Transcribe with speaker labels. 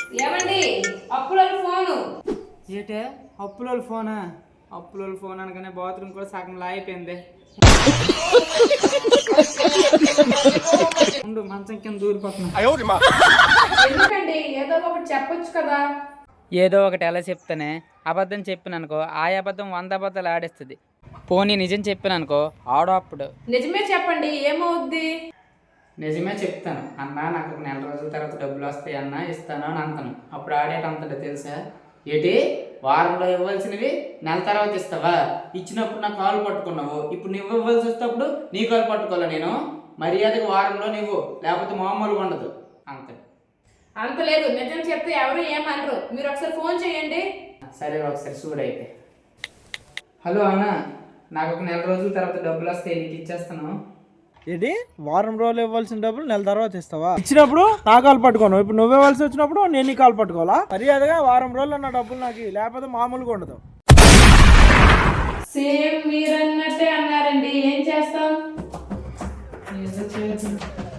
Speaker 1: ఏమండి అప్పుల ఫోను
Speaker 2: ఏటే అప్పులోళ్ళ ఫోనా? అప్పులోళ్ళ ఫోన్ అనగానే బాత్రూమ్ కూడా సగం లాగిపోయింది. ఉండు, మంచం కింద దూరిపోతున్నా.
Speaker 1: ఎందుకండి ఏదో ఒకటి చెప్పొచ్చు కదా.
Speaker 2: ఏదో ఒకటి ఎలా చెప్తానే? అబద్ధం చెప్పిననుకో ఆ అబద్ధం 100 అబద్ధాలు ఆడేస్తుంది. పోనీ నిజం చెప్పిననుకో ఆడో అప్పుడు.
Speaker 1: నిజమే చెప్పండి, ఏమవుద్ది?
Speaker 2: నిజమే చెప్తాను అన్న, నాకు ఒక నెల రోజుల తర్వాత డబ్బులు వస్తాయి అన్న, ఇస్తాను అని అంటాను. అప్పుడు ఆడేటంతటో తెలుసా? ఏటి వారంలో ఇవ్వాల్సినవి నెల తర్వాత ఇస్తావా? ఇచ్చినప్పుడు నా కాలు పట్టుకున్నావు, ఇప్పుడు నువ్వు ఇవ్వాల్సి వస్తేప్పుడు నీ కాలు పట్టుకోవాలా నేను? మర్యాదకు వారంలో నువ్వు, లేకపోతే మామూలుగా ఉండదు. అంతే.
Speaker 1: అంత లేదు, నిజం చెప్తే ఎవరు ఏమనరు. మీరు ఒకసారి ఫోన్ చేయండి.
Speaker 2: సరే ఒకసారి చూడైతే. హలో అన్న, నాకు ఒక నెల రోజుల తర్వాత డబ్బులు వస్తాయి, నీకు ఇచ్చేస్తాను.
Speaker 3: ఏంటి వారం రోజులు ఇవ్వాల్సిన డబ్బులు నెల తర్వాత ఇస్తావా? ఇచ్చినప్పుడు నా కాలు పట్టుకోను, ఇప్పుడు నువ్వు ఇవ్వాల్సి వచ్చినప్పుడు నేను నీ కాలు పట్టుకోవాలా? మర్యాదగా వారం రోజులు నా డబ్బులు నాకు, లేకపోతే మామూలుగా ఉండదు.
Speaker 1: సేమ్ మీరన్నట్టే అన్నారండి, ఏం చేస్తాం?
Speaker 2: ఏదో చేయొచ్చు.